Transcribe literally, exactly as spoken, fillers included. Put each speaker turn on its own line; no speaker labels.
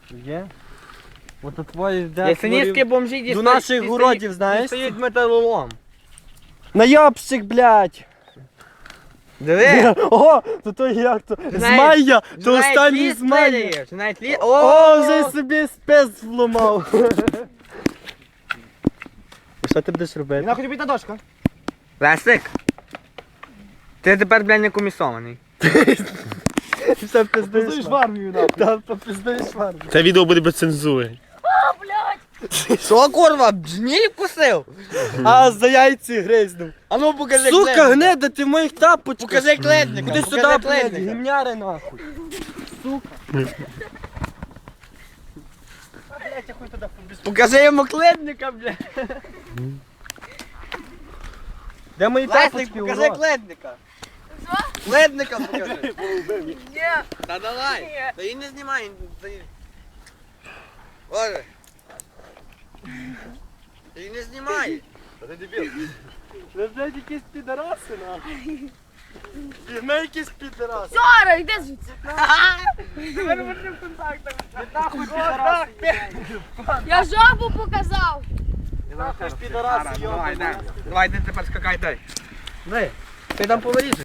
Є? Ото твої де
Ясенівські бомжі дістають.
до наших городів, знаєш?
Дістають металолом.
Найобщик, блядь!
Диви!
О, то то як то?
Знаєш-
Змайя! То
Знаєш,
останній
ліс
змайя!
виріє, чи навіть ліс...
О, вже собі спец вломав! І що ти будеш робити?
Нахуй тобі та дошка.
Лесик! Ти тепер, блядь, не комісований.
Все пиздуєш
Позуєш в
в
армію, нахуй.
Та попиздуєш в армію.
Це відео буде без цензури.
Що, курва, бджніль вкусив?
А за яйці гризнув.
А ну покажи
Сука,
кледника.
гнида, ти в моїх тапочках.
Покажи кледника.
Іди
покажи
сюди, блядь,
кледника.
гімняри нахуй.
Покажи йому кледника, блядь.
Де мої
Лесик,
тапочки,
покажи
урод?
кледника. Кледника покажи.
Ні.
Та давай.
Ні.
Та і не знімай. Та і... Боже. Та і не знімай.
Ви, блядь, якісь підараси, нахуй. Ми якісь підараси.
Сора, йди звідси.
Нахуй підараси.
Я жабу показав.
Нахуй ж підараси,
Давай,
йобані.
Давай, ти тепер скакай дай. Дай. Ти там поворіжеш.